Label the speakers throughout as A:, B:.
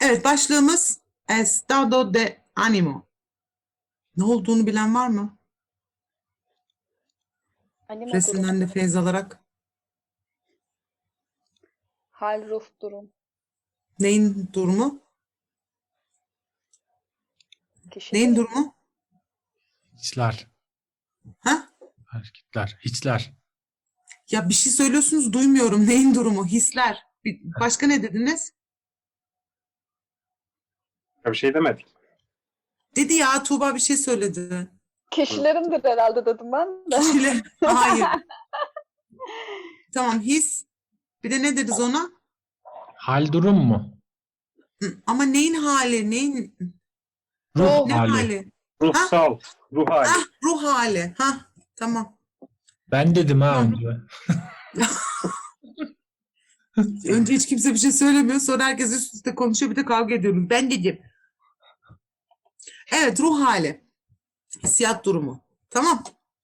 A: Evet, başlığımız estado de ánimo. Ne olduğunu bilen var mı?
B: Animo durum.
A: Resimden de feyz alarak.
B: Hal, ruh, durum.
A: Neyin durumu?
B: Kişinin
A: Neyin durumu?
C: Hiçler.
A: Ha?
C: Hareketler. Hiçler.
A: Ya bir şey söylüyorsunuz, duymuyorum. Neyin durumu? Hisler. Başka ne dediniz?
D: Ya bir şey demedik.
A: Dedi ya, Tuğba bir şey söyledi.
B: kişilerindir herhalde dedim ben de.
A: Kişiler. Hayır. Tamam, his. Bir de ne deriz ona?
C: Hal durum mu?
A: Ama neyin hali? Neyin?
C: Ruh
A: Ne
C: hali.
A: hali?
D: Ruhsal, ruh hali.
A: Ah, ruh hali. Ha, tamam.
C: Ben dedim ha
A: Tamam.
C: önce.
A: Önce hiç kimse bir şey söylemiyor. Sonra herkes üst üste konuşuyor. Bir de kavga ediyoruz. Ben dedim. Evet, ruh hali. Hissiyat durumu. Tamam.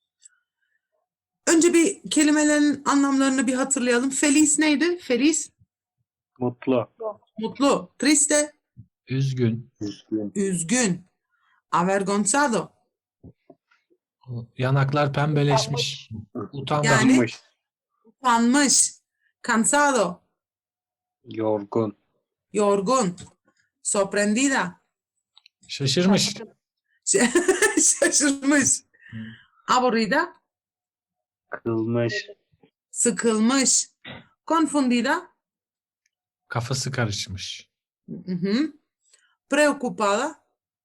A: Önce bir kelimelerin anlamlarını bir hatırlayalım. Feliz neydi? Feliz.
D: Mutlu.
A: Mutlu. Triste.
C: Üzgün.
D: Üzgün.
A: Üzgün. Avergonzado.
C: Yanaklar pembeleşmiş. Utangaç.
A: Yani-
D: Utanmış.
A: Utanmış. Cansado.
D: Yorgun.
A: Yorgun. Sorprendida.
C: Şaşırmış.
A: Şaşırmış. Aburrida.
D: Kılmış.
A: Sıkılmış. Confundida.
C: Kafası karışmış.
A: Hı-hı. Preocupada.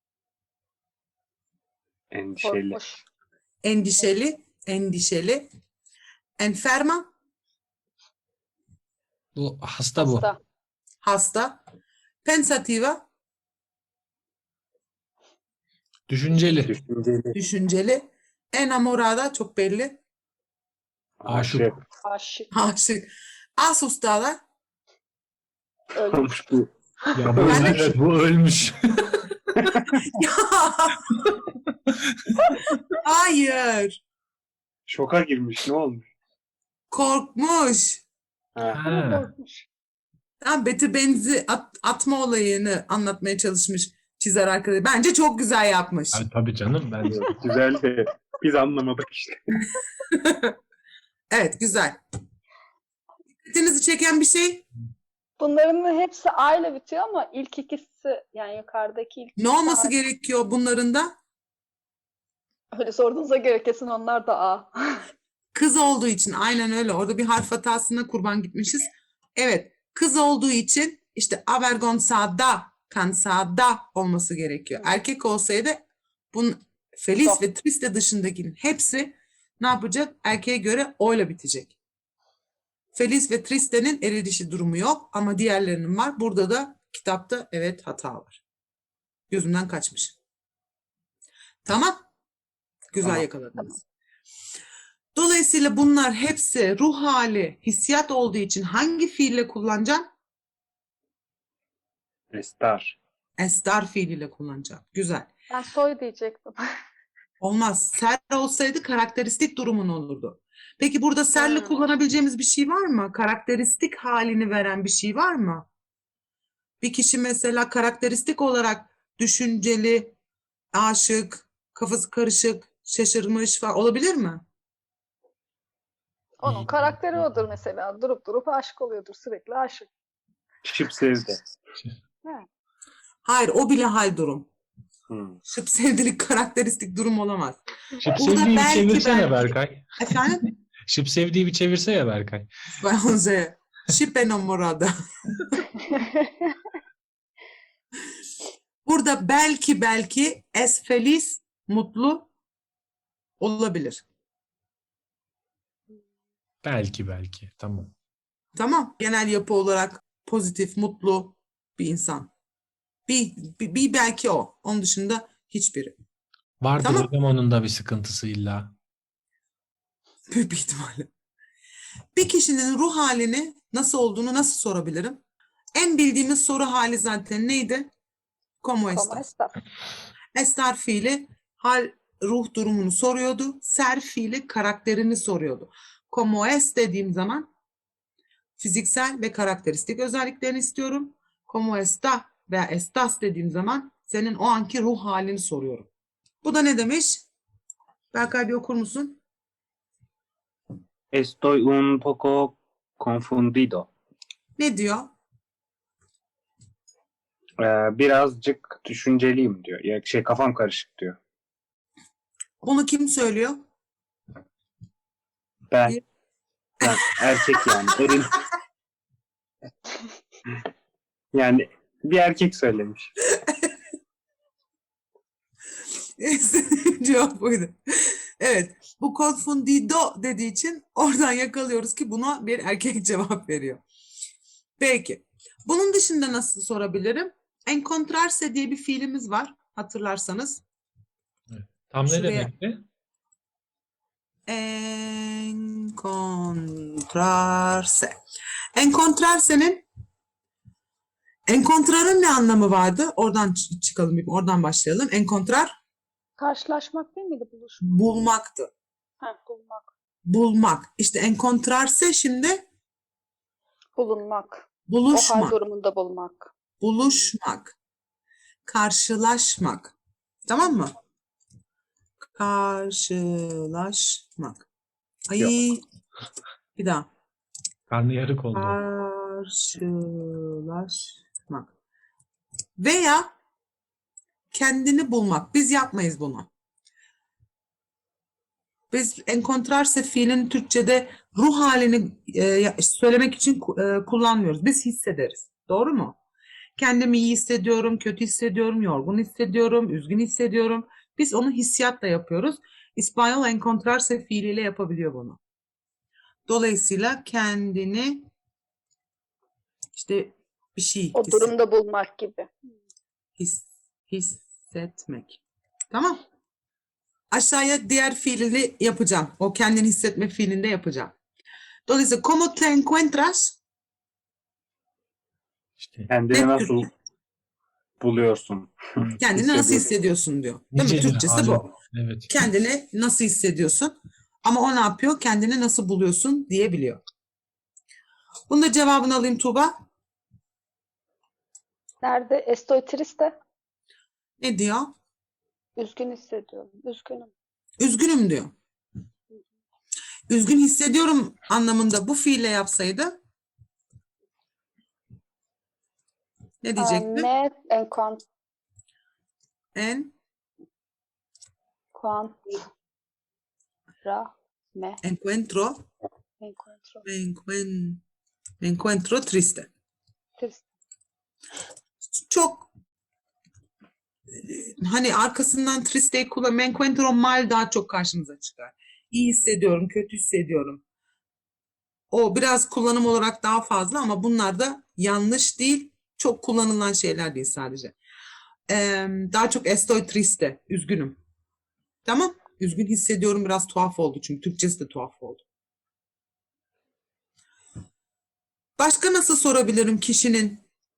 D: Endişeli.
B: Korkmuş.
A: Endişeli. Endişeli. Enferma.
C: Bu hasta bu.
B: Hasta.
A: Hasta. Pensativa.
C: Düşünceli.
D: Düşünceli.
A: Düşünceli. Enamorada. Çok belli.
C: Aşık.
D: Aşık.
B: Aşık.
A: Aşık. Asustada.
B: Ölmüş.
D: Olmuş bu.
C: Ya bu,
A: Yani-
C: evet, bu ölmüş.
A: Ya. Hayır.
D: Şoka girmiş. Ne olmuş?
A: Korkmuş.
D: Ha.
C: Ha.
B: Korkmuş.
A: Tam beti benzi atma olayını anlatmaya çalışmış çizer arkadaş. Bence çok güzel yapmış.
C: Ay, tabii canım. Ben
D: Güzel de biz anlamadık işte.
A: Evet, güzel. Dikkatinizi çeken bir şey
B: Bunların hepsi A ile bitiyor ama ilk ikisi yani yukarıdaki ilk
A: ne olması
B: ikisi
A: gerekiyor bunların da?
B: öyle sorduğunuza göre kesin onlar da A.
A: Kız olduğu için, aynen öyle. Orada bir harf hatasına kurban gitmişiz. Evet, kız olduğu için işte avergonzada, cansada olması gerekiyor. Erkek olsaydı bunun feliz
B: Yok.
A: ve triste dışındakinin hepsi ne yapacak? Erkeğe göre o'yla bitecek. Feliz ve triste'nin eri dişi durumu yok ama diğerlerinin var. Burada da kitapta evet hata var. Gözümden kaçmış. Tamam. Güzel
D: Tamam.
A: yakaladınız. Dolayısıyla bunlar hepsi ruh hali, hissiyat olduğu için hangi fiille kullanacaksın?
D: Estar.
A: Estar fiiliyle kullanacağım. Güzel.
B: Ben soy diyecektim.
A: Olmaz. Ser olsaydı karakteristik durumun olurdu. Peki burada serli
B: Hmm.
A: kullanabileceğimiz bir şey var mı? Karakteristik halini veren bir şey var mı? Bir kişi mesela karakteristik olarak düşünceli, aşık, kafası karışık, şaşırmış falan olabilir mi?
B: Onun karakteri odur mesela. Durup durup aşık oluyordur. Sürekli aşık.
D: Şıp sevdi.
A: Hayır, o bile hal durum.
D: Hmm.
A: Şıp sevdilik karakteristik durum olamaz.
C: Şıp
A: Burada
C: sevdiği bir
A: belki
C: çevirsene Berkay.
A: Efendim?
C: Şıp sevdiği bir çevirse ya Berkay.
A: Bence şıp enamorada. Burada belki es feliz, mutlu olabilir.
C: Belki. Tamam.
A: Tamam. Genel yapı olarak pozitif, mutlu bir insan. Bir belki o. Onun dışında hiçbiri.
C: Vardır
A: Tamam.
C: hocam onun da bir sıkıntısı illa.
A: Büyük bir ihtimalle. Bir kişinin ruh halini nasıl olduğunu nasıl sorabilirim? En bildiğimiz soru hali zaten neydi? Como
B: Como
A: estás?
B: estas?
A: Estar fiili hal ruh durumunu soruyordu. Ser fiili karakterini soruyordu. Como es dediğim zaman fiziksel ve karakteristik özelliklerini istiyorum. Como está veya estás dediğim zaman senin o anki ruh halini soruyorum. Bu da ne demiş? Berkay bir okur musun?
D: Estoy un poco confundido.
A: Ne diyor?
D: Birazcık düşünceliyim diyor. Ya kafam karışık diyor.
A: Bunu kim söylüyor?
D: Ben erkek yani. Yani bir erkek söylemiş.
A: Cevap buydu. Evet. Bu confundido dediği için oradan yakalıyoruz ki buna bir erkek cevap veriyor. Peki. Bunun dışında nasıl sorabilirim? Encontrarse diye bir fiilimiz var. Hatırlarsanız.
C: Tam ne
A: Şuraya-
C: demekti?
A: Encontrarse. Encontrar'ın ne anlamı vardı? Oradan çıkalım, oradan başlayalım. Encontrar
B: Karşılaşmak değil miydi? Buluşmak.
A: bulmaktı.
B: Bulmak.
A: Bulmak. İşte encontrarse şimdi
B: Bulunmak. O hal
A: buluşmak,
B: durumunda bulmak.
A: buluşmak, karşılaşmak. Tamam mı? Karşılaşmak. Ay, bir daha.
C: Karnı yarık oldu.
A: Karşılaşmak. Veya kendini bulmak. Biz yapmayız bunu. Biz encontrarse fiilin Türkçe'de ruh halini söylemek için kullanmıyoruz. Biz hissederiz. Doğru mu? Kendimi iyi hissediyorum, kötü hissediyorum, yorgun hissediyorum, üzgün hissediyorum. Biz onu hissiyatla yapıyoruz. İspanyol encontrarse fiiliyle yapabiliyor bunu. Dolayısıyla kendini işte bir şey
B: O durumda bulmak gibi.
A: hissetmek. Tamam. Aşağıya diğer fiilini yapacağım. O kendini hissetme fiilini de yapacağım. Dolayısıyla ¿cómo te encuentras?
C: İşte
D: Kendini
A: Ne
D: nasıl buluyorsun?
A: Kendini nasıl
D: Hissediyorum.
A: hissediyorsun diyor. Değil mi?
C: nicedir
A: Türkçesi
C: halin.
A: bu.
C: Evet.
A: Kendini nasıl hissediyorsun? Ama o ne yapıyor? Kendini nasıl buluyorsun diyebiliyor. Bunun da cevabını alayım Tuğba.
B: Nerede? Estoy triste.
A: Ne diyor?
B: Üzgün hissediyorum. Üzgünüm.
A: Üzgünüm diyor. Üzgün hissediyorum anlamında bu fiille yapsaydı ne diyecekti?
B: Me encuentro.
A: En
B: Me
A: encuentro
B: encuentro.
A: me encuentro triste.
B: Triste.
A: Çok hani arkasından triste'yi kullan. Me encuentro mal daha çok karşımıza çıkar. İyi hissediyorum, kötü hissediyorum. O biraz kullanım olarak daha fazla ama bunlar da yanlış değil. Çok kullanılan şeyler değil sadece. Daha çok estoy triste, üzgünüm. Tamam. Üzgün hissediyorum biraz tuhaf oldu çünkü Türkçesi de tuhaf oldu. Başka nasıl sorabilirim kişinin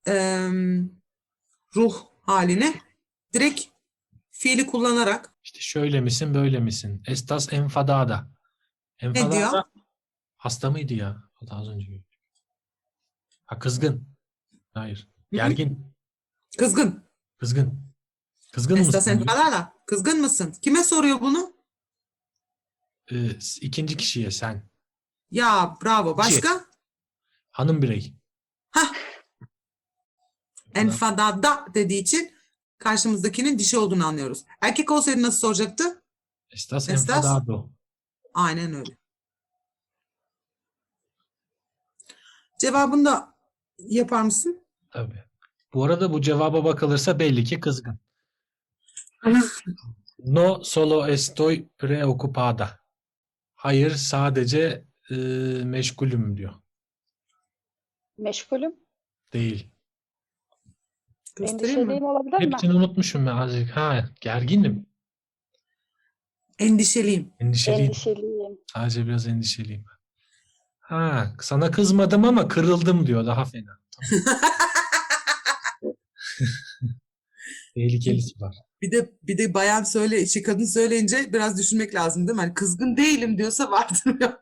A: ruh haline? Direkt fiili kullanarak.
C: İşte şöyle misin, böyle misin? Estás enfadada. Enfadada
A: diyor?
C: hasta mıydı ya? O da az önce. Ha, kızgın. Hayır.
A: Hı?
C: Gergin.
A: Kızgın.
C: Kızgın. Kızgın
A: Estás
C: mısın? diyor.
A: enfadada. Kızgın mısın? Kime soruyor bunu?
C: İkinci kişiye sen.
A: Ya bravo. Başka?
C: Hanım birey.
A: Hah. Enfadada dediği için karşımızdakinin dişi olduğunu anlıyoruz. Erkek olsaydı nasıl soracaktı?
C: Estás
A: Estás-
C: enfadado.
A: Aynen öyle. Cevabını da yapar mısın?
C: Tabii. Bu arada bu cevaba bakılırsa belli ki kızgın. No solo estoy preocupada. Hayır, sadece meşgulüm diyor.
B: Meşgulüm.
C: Değil.
A: Göstereyim mi?
B: Endişeliyim olabilir mi?
C: Hepsini unutmuşum ben azıcık. Ha, gerginim.
A: Endişeliyim.
C: Endişeliyim.
B: Endişeliyim.
C: Sadece biraz endişeliyim. Ha, sana kızmadım ama kırıldım diyor. Daha fena. Tamam. Tehlikelisi var.
A: Bir de bayan kadın söyleyince biraz düşünmek lazım değil mi? Hani kızgın değilim diyorsa vardır.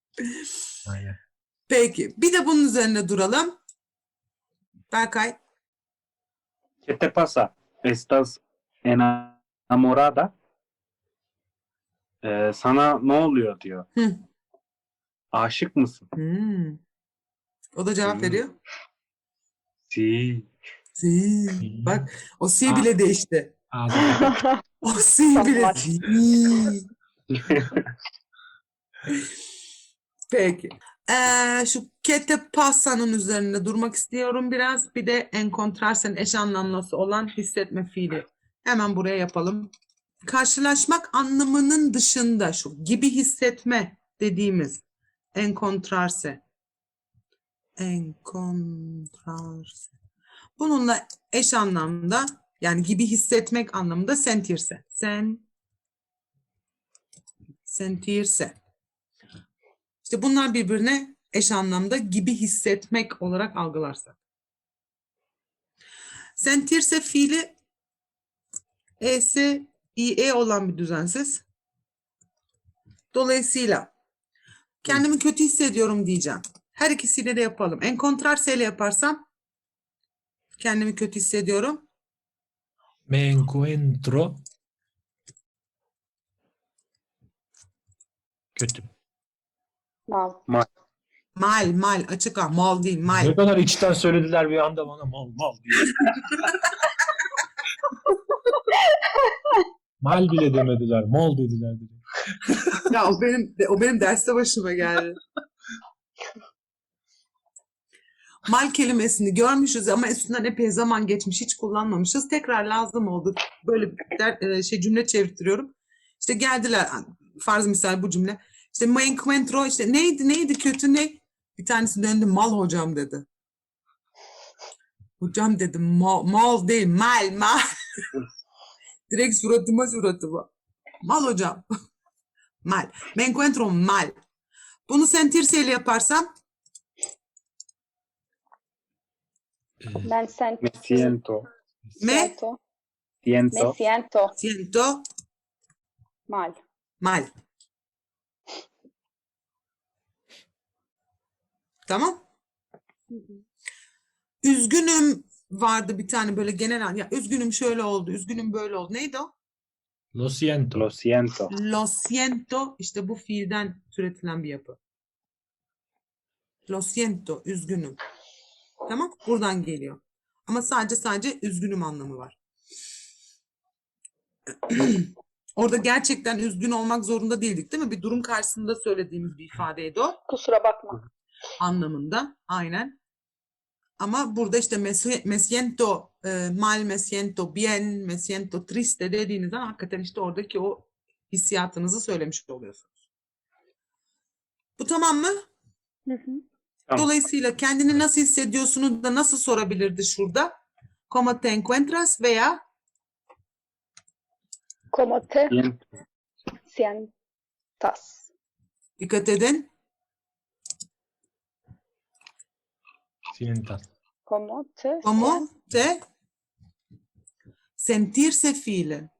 C: Aynen.
A: Peki. Bir de bunun üzerine duralım. Berkay,
D: ¿Qué te pasa? ¿Estás enamorada? Sana ne oluyor diyor.
A: Hı.
D: Aşık mısın?
A: Hmm. O da cevap
D: Hmm.
A: veriyor.
D: Sí.
A: Si. Bak o si bile değişti.
C: Ağzına.
A: O si bile.
B: Tamam.
A: Si. Peki. Şu que te pasa'nın üzerinde durmak istiyorum biraz. Bir de encontrarsen eş anlamlısı olan hissetme fiili. Hemen buraya yapalım. Karşılaşmak anlamının dışında şu gibi hissetme dediğimiz encontrarse. Encontrarse. Bununla eş anlamda yani gibi hissetmek anlamında sentirse. Sentirse. İşte bunlar birbirine eş anlamda gibi hissetmek olarak algılarsak. Sentirse fiili e'si ie olan bir düzensiz. Dolayısıyla kendimi kötü hissediyorum diyeceğim. Her ikisiyle de yapalım. Encontrarse ile yaparsam kendimi kötü hissediyorum.
C: Me encuentro kötü.
B: Mal.
A: Mal açık ha mal değil
C: Ne
A: mal.
C: kadar içten söylediler bir anda bana mal diye. Mal bile demediler, mal dediler.
A: Ya o benim derste başıma geldi. Mal kelimesini görmüşüz ama üstünden epey zaman geçmiş, hiç kullanmamışız. Tekrar lazım oldu. Böyle cümle çevirtiyorum. İşte geldiler, farz misal bu cümle. İşte me encuentro, işte neydi kötü ne? Bir tanesi döndü, mal hocam dedi. Hocam dedim, mal değil, mal. Direkt suratıma. Mal hocam. Mal. Me encuentro mal. Bunu sentirse ile yaparsam
B: Ben
D: Me siento.
A: me
B: Me siento
A: siento
B: mal.
A: mal. Tamam? Üzgünüm vardı bir tane böyle genel. Ya üzgünüm şöyle oldu, üzgünüm böyle oldu. Neydi o?
C: Lo siento.
D: Lo siento.
A: Lo siento işte bu fiilden türetilen bir yapı. Lo siento, üzgünüm. Tamam? Buradan geliyor. Ama sadece üzgünüm anlamı var. Orada gerçekten üzgün olmak zorunda değildik, değil mi? Bir durum karşısında söylediğimiz bir ifadeydi o.
B: Kusura bakma.
A: Anlamında. Aynen. Ama burada işte me siento mal, me siento bien, me siento triste dediğinizde hakikaten işte oradaki o hissiyatınızı söylemiş oluyorsunuz. Bu tamam mı?
B: Hı hı.
D: Tamam.
A: Dolayısıyla kendini nasıl hissediyorsunuz da nasıl sorabilirdi şurada? ¿Cómo te encuentras? Veya
B: Como te
D: Siento.
B: sientas.
A: dikkat edin.
C: Sientas.
B: Como te
A: ¿Cómo te sentirse fiili?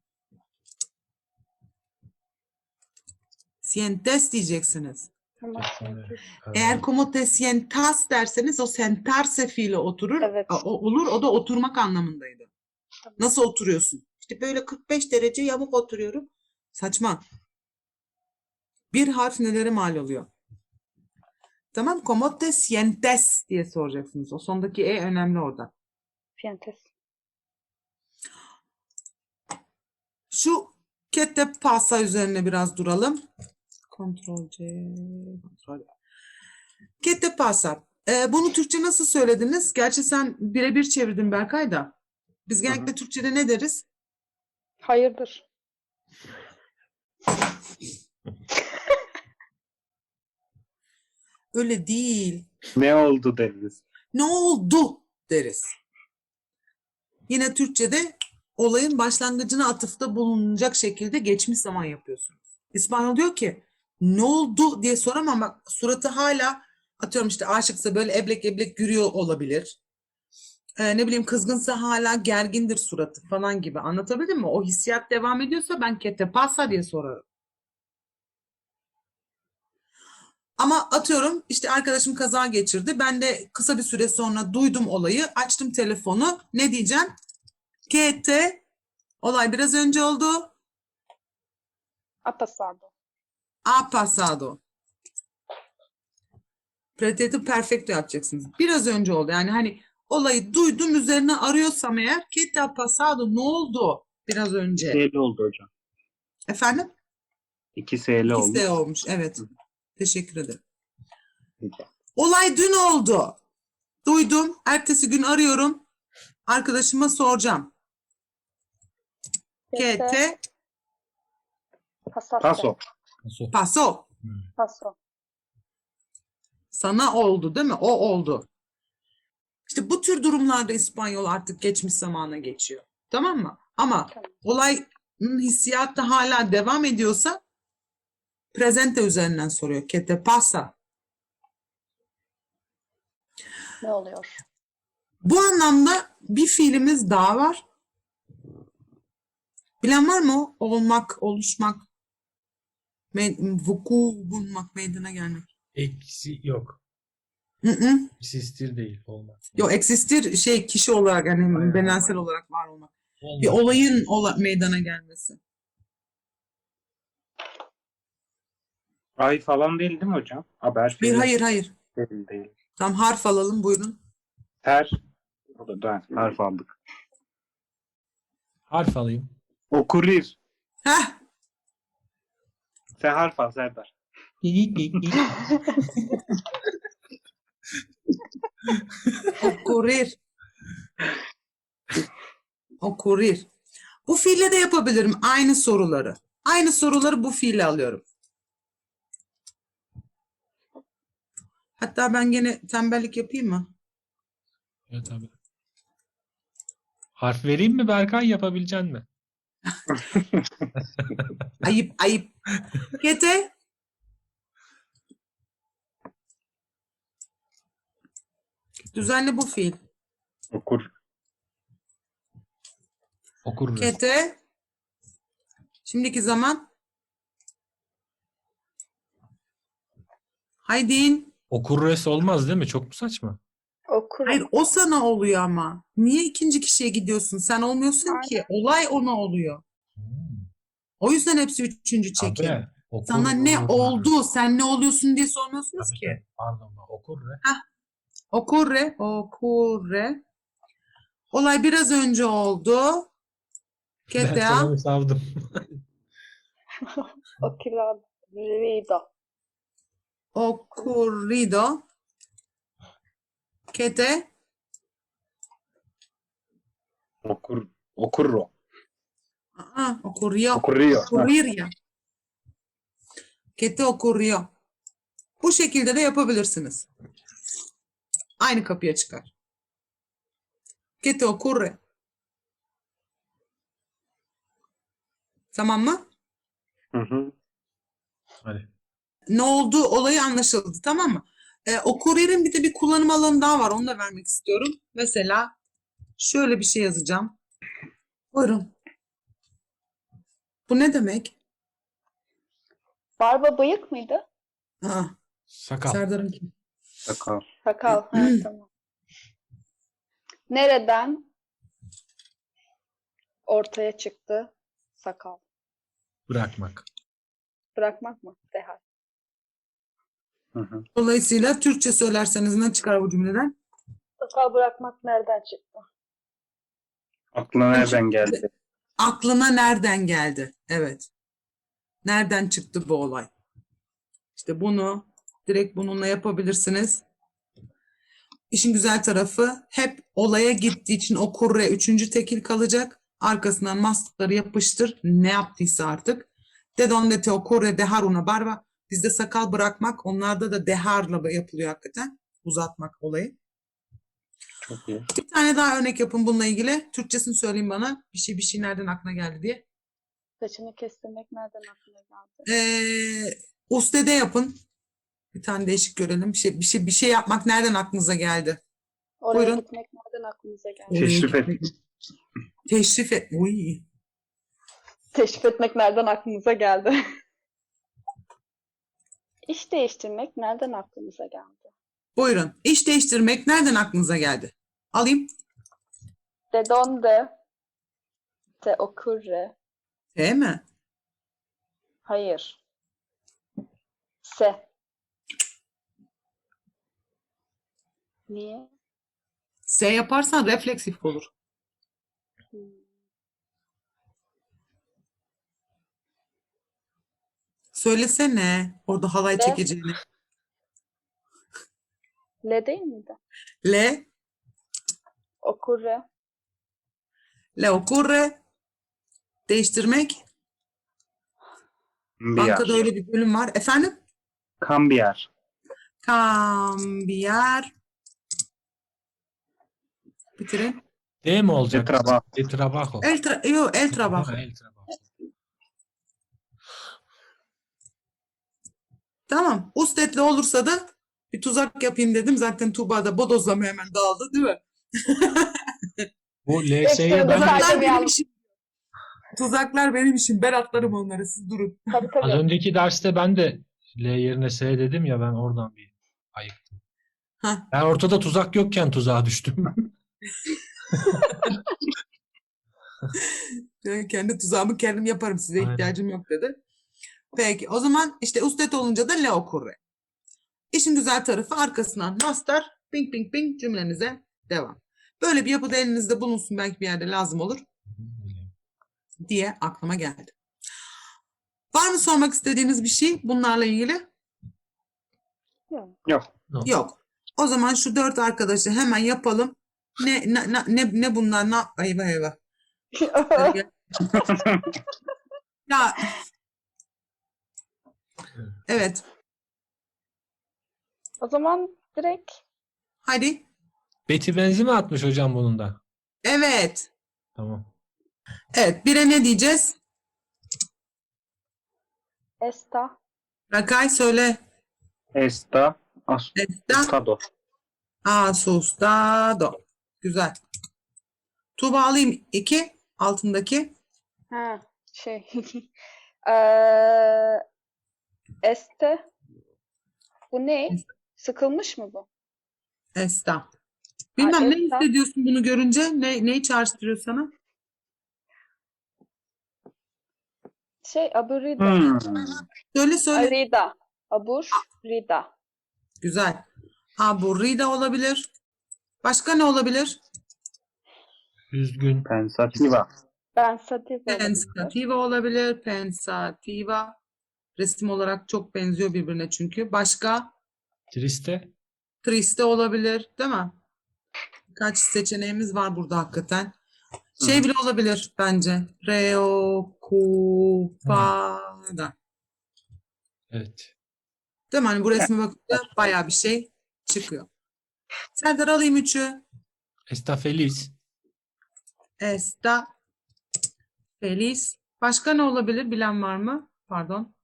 A: Sientes diyeceksiniz.
B: sientas.
A: Eğer como te sientas derseniz o sentarse fiili oturur.
B: Evet.
A: Olur. O da oturmak anlamındaydı.
B: Tamam.
A: Nasıl oturuyorsun? İşte böyle 45 derece yamuk oturuyorum. Saçma. Bir harf nelere mal oluyor? Tamam. Como te sientes diye soracaksınız. O sondaki e önemli orada.
B: Sientes.
A: Şu que te pasa üzerine biraz duralım. Ctrl C, Ctrl V. Que te pasa. Bunu Türkçe nasıl söylediniz? Gerçi sen birebir çevirdin Berkay da. Biz genellikle Türkçe'de ne deriz?
B: Hayırdır?
A: Öyle değil.
D: Ne oldu deriz.
A: Ne oldu deriz. Yine Türkçe'de olayın başlangıcına atıfta bulunacak şekilde geçmiş zaman yapıyorsunuz. İspanyol diyor ki ne oldu diye soramam, bak suratı hala atıyorum işte aşıksa böyle eblek eblek gülüyor olabilir. Ne bileyim kızgınsa hala gergindir suratı falan gibi, anlatabildim mi? O hissiyat devam ediyorsa ben que te pasa diye sorarım. Ama atıyorum işte arkadaşım kaza geçirdi. Ben de kısa bir süre sonra duydum olayı. Açtım telefonu. Ne diyeceğim? Che te olay biraz önce oldu.
B: Ha pasado.
A: Ha pasado. Pretérito perfecto yapacaksınız. Biraz önce oldu. Yani hani olayı duydum üzerine arıyorsam eğer che te ha pasado ne oldu biraz önce?
D: 2 oldu hocam.
A: Efendim?
D: 2 SL olmuş.
A: İkisi olmuş. Evet. Teşekkür ederim.
D: Rica.
A: Olay dün oldu. Duydum. Ertesi gün arıyorum. Arkadaşıma soracağım. Che te
B: Pasaste.
D: Paso.
C: Nasıl?
A: pasó.
B: Paso.
A: Sana oldu değil mi? O oldu. İşte bu tür durumlarda İspanyol artık geçmiş zamana geçiyor. Tamam mı? Ama
B: Tamam.
A: olayın hissiyatı hala devam ediyorsa presente üzerinden soruyor. ¿Qué te pasa?
B: Ne oluyor?
A: Bu anlamda bir fiilimiz daha var. Bilen var mı o? Olmak, oluşmak, vuku bulmak, meydana gelmek.
C: Eksi yok.
A: Hı hı.
C: Sistir değil. Olmaz.
A: Yok, existir şey kişi olarak yani
C: Aynen,
A: bedensel
C: aynen.
A: olarak var olmak.
C: Olmaz.
A: Bir olayın meydana gelmesi.
D: Ay falan değil mi hocam? Haber
A: Bir
D: fiili
A: hayır.
D: değil.
A: Tam harf alalım buyurun.
D: Ter. O da harf aldık.
C: Harf alayım.
D: Okurir.
A: Heh.
D: Sen harf al Serdar.
A: Ocurrir. Ocurrir. Bu fiille de yapabilirim aynı soruları. Aynı soruları bu fiille alıyorum. Hatta ben gene tembellik yapayım mı?
C: Evet abi. Harf vereyim mi Berkay, yapabilecek mi?
A: Ayıp. Kete. Düzenli bu fiil.
D: Okur.
C: Okuruz.
A: Kete. Şimdiki zaman. Haydin.
C: Okurres olmaz değil mi? Çok mu saçma?
B: Okurum.
A: Hayır o sana oluyor ama. Niye ikinci kişiye gidiyorsun? Sen olmuyorsun ki. Olay ona oluyor.
C: Hmm.
A: O yüzden hepsi üçüncü çekim.
C: Abi, okur
A: Sana ne
C: olur.
A: oldu? Sen ne oluyorsun diye sormuyorsunuz
C: Tabii,
A: ki.
C: tabii. Pardon. Okurre.
A: Ocurre. Olay biraz önce oldu.
C: Ben
A: Kete
C: sana
A: ha
C: mı savdım?
B: Ocurrido.
A: ocurrido. Kete
D: Okurro.
A: ocurrió.
D: Ocurriyor.
A: Ocurrir ya. Que te ocurrió. Bu şekilde de yapabilirsiniz. Aynı kapıya çıkar. Que te ocurre. Tamam mı?
D: Hı.
C: Hadi.
A: Ne oldu olayı anlaşıldı, tamam mı? Ocurrir'in bir de bir kullanım alanı daha var. Onu da vermek istiyorum. Mesela şöyle bir şey yazacağım. Buyurun. Bu ne demek?
B: Barba bıyık mıydı?
A: Aa,
C: Sakal.
A: Serdar'ınki.
D: Sakal.
B: Sakal. Ha, tamam. Nereden ortaya çıktı sakal?
C: Bırakmak.
B: Bırakmak mı? Derhal.
D: Hı.
A: Dolayısıyla Türkçe söylerseniz ne çıkar bu cümleden?
B: Sakal bırakmak nereden çıktı?
D: Aklına nereden geldi?
A: Aklına nereden geldi? Evet. Nereden çıktı bu olay? İşte bunu direkt bununla yapabilirsiniz. İşin güzel tarafı hep olaya gittiği için o kurre üçüncü tekil kalacak. Arkasından mastarı yapıştır. Ne yaptıysa artık. De donde te ocurre dejar una barba. Bizde sakal bırakmak, onlarda da deharla yapılıyor hakikaten. Uzatmak olayı.
D: Çok iyi.
A: Bir tane daha örnek yapın bununla ilgili. Türkçesini söyleyin bana. Bir şey nereden aklına geldi diye.
B: Saçını kestirmek nereden aklına geldi?
A: Ustede yapın. Bir tane değişik görelim. Bir şey yapmak nereden aklınıza geldi?
B: Oraya
A: Buyurun.
B: gitmek nereden aklınıza geldi?
D: Teşrif et.
A: Teşrif et. Uy.
B: Teşrif etmek nereden aklınıza geldi? İş değiştirmek nereden aklınıza geldi?
A: Buyurun. İş değiştirmek nereden aklınıza geldi? Alayım.
B: De donde Se ocurre.
A: T mi?
B: Hayır. Se. Niye?
A: S yaparsan refleksif olur.
B: Hmm.
A: Söylesene orada halay
B: Le.
A: çekeceğini.
B: Le değil miydi?
A: Le,
B: Ocurre.
A: le ocurre. Değiştirmek.
D: Cambiar.
A: Bankada öyle bir bölüm var. Efendim?
D: Cambiar.
A: Cambiar. Bitirin.
C: D mi
D: De
C: olacak?
D: trabajo.
C: De trabajo.
A: El trabajo.
C: Ha, el trabajo.
A: Tamam. Ustetli olursa da bir tuzak yapayım dedim. Zaten Tuğba da bodozlamaya hemen dağıldı değil mi?
C: Bu
B: Ekstra
C: LS'ye ben
B: da
C: de
B: saydım
A: Tuzaklar benim
B: yalnız.
A: işim. Tuzaklar benim işim. Ben atlarım onları. Siz durun.
B: Tabii
C: az
B: tabii.
C: önceki derste ben de L yerine S dedim ya, ben oradan bir ayıktım.
A: Hah.
C: Ben ortada tuzak yokken tuzağa düştüm.
A: Kendi tuzağımı kendim yaparım. Size
C: Aynen.
A: ihtiyacım yok dedi. Peki. O zaman işte ustet olunca da le ocurre. İşin güzel tarafı arkasından master, ping ping ping cümlenize devam. Böyle bir yapıda elinizde bulunsun, belki bir yerde lazım olur diye aklıma geldi. Var mı sormak istediğiniz bir şey bunlarla ilgili?
D: Yok.
A: Yok. O zaman şu 4 arkadaşı hemen yapalım. Ne bunlar? Eyvah eyvah. Ya evet.
B: O zaman direkt
A: Hadi.
C: Beti benzi mi atmış hocam bunun da?
A: Evet.
C: Tamam.
A: Evet. Bire ne diyeceğiz?
B: esta.
A: Rakay söyle.
D: Está
A: Está
D: asustado.
A: asustado. Güzel. Tuğba alayım 2. Altındaki.
B: Ha, şey. Eee, este. Bu ne? Sıkılmış mı bu?
A: Esta. Bilmem ne
B: Esta.
A: hissediyorsun bunu görünce? Neyi çağrıştırıyor sana?
B: Aburrida.
D: Hmm.
A: Söyle.
B: Arida. Aburrida.
A: Güzel. Aburrida olabilir. Başka ne olabilir?
C: Üzgün.
D: Pensativa.
B: Pensativa olabilir.
A: Pensativa olabilir. Pensativa. Resim olarak çok benziyor birbirine çünkü. Başka?
C: Triste.
A: Triste olabilir, değil mi? Birkaç seçeneğimiz var burada hakikaten. Şey
D: Hı.
A: bile olabilir bence. Preocupada.
C: Evet.
A: Değil mi? Hani bu resme bakınca bayağı bir şey çıkıyor. Serdar alayım 3'ü.
C: Está feliz.
A: Está feliz. Başka ne olabilir? Bilen var mı? Pardon.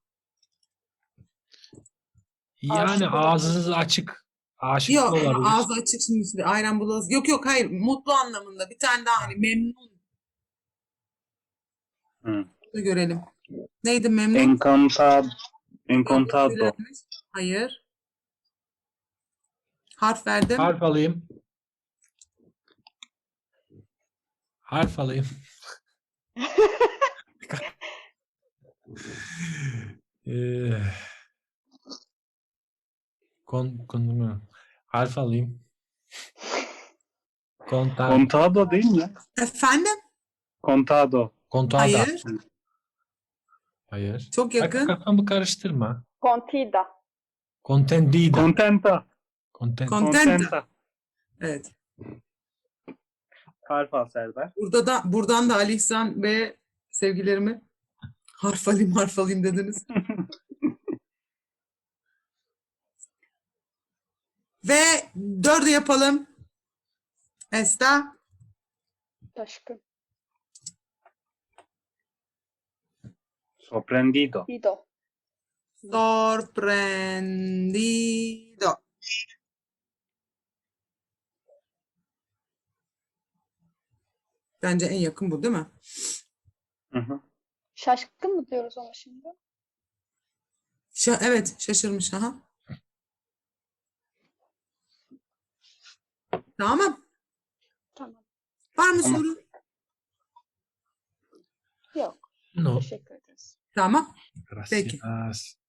C: Yani
B: Aşık
C: ağzınız açık. Aşık da
A: Yok,
C: olabilir.
A: ağzı açık şimdi ayran bulamaz. Yok hayır, mutlu anlamında. Bir tane daha hani memnun
D: Hmm.
A: da görelim. Neydi memnun?
D: Encantado.
A: Yok,
D: Encantado.
A: söylenmiş. Hayır. Harf verdim.
C: Harf alayım. Harf alayım. Eee, harf alayım.
D: Contado değil mi?
A: Efendim?
D: Contado.
C: Contado.
A: Hayır.
C: Hayır.
A: Çok
C: Bak,
A: yakın.
C: kafamı karıştırma.
B: Contida.
C: Contendida.
D: Contenta.
C: Content.
A: Contenta.
D: Contenta.
A: Evet.
D: Harf al Serdar.
A: Buradan da Ali İhsan ve sevgilerimi harf alayım dediniz. Ve 4'ü yapalım. Esta
B: Taşkın.
D: Sorprendido.
B: Dido.
A: sorprendido. Bence en yakın bu değil mi?
D: Hı hı.
B: Şaşkın mı diyoruz ona şimdi?
A: Evet, şaşırmış. Aha. Tamam.
B: Tamam.
A: Var mı
D: Tamam.
A: soru?
B: Teşekkür ederiz.
A: Tamam. Peki.
C: Gracias.